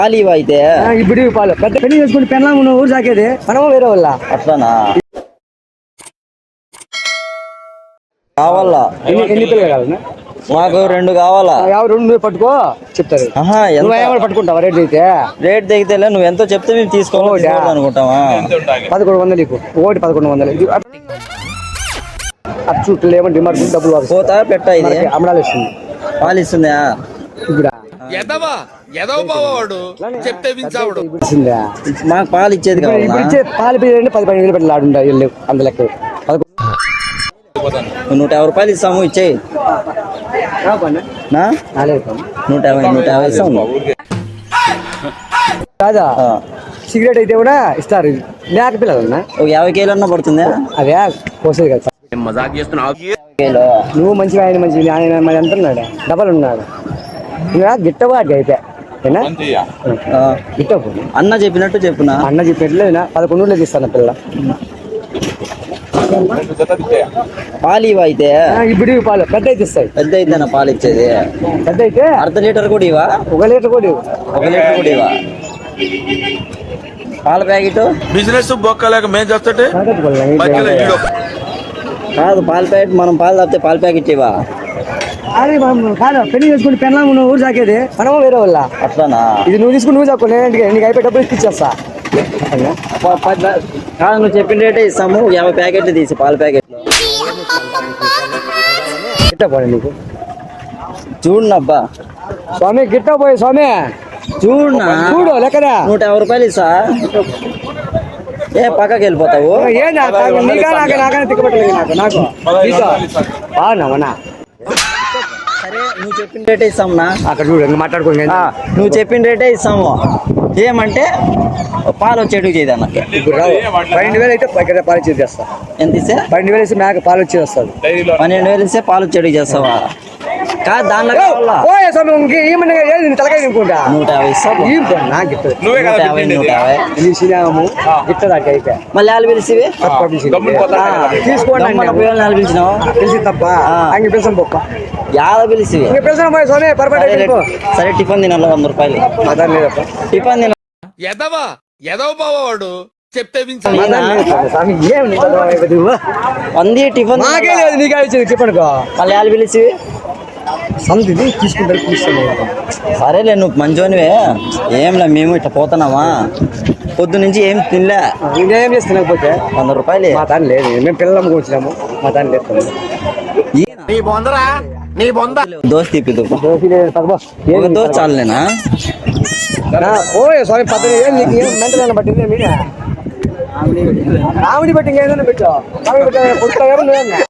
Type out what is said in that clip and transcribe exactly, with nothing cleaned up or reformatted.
పాలు ఇవి అయితే ఇప్పుడు పాలు పెద్ద పెళ్లి చేసుకుని పెళ్ళాం నువ్వు ఊరు సాకేది మనము వేరే వాళ్ళ అట్లానా కావాలా ఎన్ని ఎన్ని పిల్లలు కావాలన్నా మాకు రెండు కావాలా ఎవరు రెండు నువ్వు పట్టుకో చెప్తారు ఆహా నువ్వు ఎంత ఏమైనా పట్టుకుంటావా రేట్ అయితే రేట్ దిగితేలే నువ్వు ఎంతో చెప్తే మేము తీసుకోవాలి అనుకుంటావా పదకొండు వందలు నీకు ఒకటి పదకొండు వందలు ఇది అచ్చు ఏమో డిమాండ్ డబ్బులు వాపసు. పోతా పెట్ట ఇది మనకి అమరాలు ఇస్తుంది పాలు ఇస్తుందా ఇప్పుడు ఎదవా ఎదవ బావాడు చెప్తే వించావుడు ఇప్పుడు ఇస్తుందా మాకు పాలు ఇచ్చేది ఇప్పుడు కావాలా ఇప్పుడు ఇచ్చే పాలు పిల్లలు పది పదిహేను వేలు పెట్టి ఆడుంటా వెళ్ళి అంత లెక్క పదకొండు నూట యాభై రూపాయలు ఇస్తాము ఇచ్చేయి నా నాలుగు నూట యాభై నూట యాభై ఇస్తాము కాదా ఆ. సిగరెట్ అయితే కూడా ఇస్తారు మేక పిల్లలన్నా ఒక యాభై కేలు అన్న పడుతుందా అదే కోసేది కదా మజాక్ చేస్తున్నావు కేలో నువ్వు మంచిగా ఆయన మంచి ఆయన మరి ఎంత ఉన్నాడు డబల్ ఉన్నాడు ఇంకా గిట్టవాడికి అయితే ఏనా ఆ. గిట్టవు అన్న చెప్పినట్టు చెప్పునా అన్న చెప్పినట్లేదు పదకొండు రోజులకి ఇస్తాను పిల్ల పాలు ఇవి అయితే ఇప్పుడు ఇవి పాలు పెద్ద అయితే ఇస్తాయి పెద్ద అయితేనా పాలు ఇచ్చేది పెద్ద అయితే అర్ధ లీటర్ కూడా ఇవా ఒక లీటర్ కూడా ఇవ్వు. ఒక లీటర్ కూడా ఇవా పాల ప్యాకెట్ బిజినెస్ బొక్కలేక మేం చేస్తుంటే పడగట్టుకోవాలి. మధ్యలో ఈడో కాదు పాల ప్యాకెట్ మనం పాలు తాపితే పాల ప్యాకెట్ ఇవా అరే మనం కాదు పెళ్లి చేసుకుని పెళ్ళాం నువ్వు ఊరు సాకేది మనము వేరే వాళ్ళ అట్లానా ఇది నువ్వు తీసుకుని నువ్వు సాకు నేను ఇంటికి నీకు అయిపోయి డబ్బులు ఇచ్చేస్తా ప- పది కాదు నువ్వు చెప్పిన రేటే ఇస్తాము యాభై ప్యాకెట్లు తీసి పాల ప్యాకెట్లు గిట్ట పోయి నీకు చూడనబ్బా స్వామి గిట్ట పోయి స్వామి చూడనా చూడు లెక్కదా నూట యాభై రూపాయలు ఇస్తా ఏ పక్కకి వెళ్ళిపోతావు ఏ నీకా నాక నాకనే తిక్కబట్టలేదు నాకు నాకు బాగున్నావనా సరే నువ్వు చెప్పిన రేటే ఇస్తామునా అక్కడ చూడు ఇంకా మాట్లాడుకోండి ఆ, నువ్వు చెప్పిన రేటే ఇస్తాము ఏమంటే పాలు వచ్చేటివి చేయదు అన్నకి ఇప్పుడు రావు పన్నెండు వేలు అయితే ఇక్కడ పాలు ఇచ్చేది చేస్తా ఎంత ఇస్తే పన్నెండు వేలు ఇస్తే మేక పాలు వచ్చేది వస్తుంది పన్నెండు వేలు ఇస్తే పాలు వచ్చేటివి చేస్తావా కాదు దాంట్లో కావాలా ఓ స్వామి ఇంక ఏమన్నా ఏది తలకాయ తినుకుంటా నూట యాభై ఇస్తాము ఏం పో నాకు గిట్టదు నువ్వే నూట కదా యాభై పెట్టిండేది. నూట యాభై నీ సినిమాము గిట్టదాక అయితే మళ్ళీ వాళ్ళు పిలిచివి గమ్మున పోతా కదా. తీసుకోండి వాళ్ళు పిలిచినావు తెలిసి తప్ప ఆ. అంగ పిలిచాం పప్ప యాద పిలిచివి ఇంక పిలిచాం పోయి స్వామి సరే పొరపాటు సరే టిఫిన్ తినాలి వంద రూపాయలు మదర్ లేదప్ప ఎదవా టిఫిన్ తినాలి ఎదవ బావాడు చెప్తే వించావు మదర్ లేదు స్వామి ఏం నీ చదువు అయిపోయింది నువ్వు? వంది టిఫిన్ నాకే తినాలా? లేదు నీకే ఇచ్చింది చెప్పనుకో మళ్ళీ వాళ్ళు పిలిచివి సంతిది తీసుకుంటారు తీసుకుంటారు సరేలే నువ్వు మంచోనివే ఏంలే మేము ఇట్లా పోతున్నామా పొద్దు నుంచి ఏం తినలే ఇంకేం చేస్తున్నాకపోతే వంద రూపాయలు మా తాను లేదు మేము పిల్లలు కూర్చున్నాము మా తాను లేదు నీ బొందరా నీ బొంద దోశ తిప్పిదు ఒక దోశ చాలులేనా ఓయ్ స్వామి పద్దెనిమిది వేలు నీకు ఏం మెంటల్ పట్టింది మీడియా ఆవిడి బట్టి ఇంకేదైనా పెట్టావు ఆవిడ పెట్టా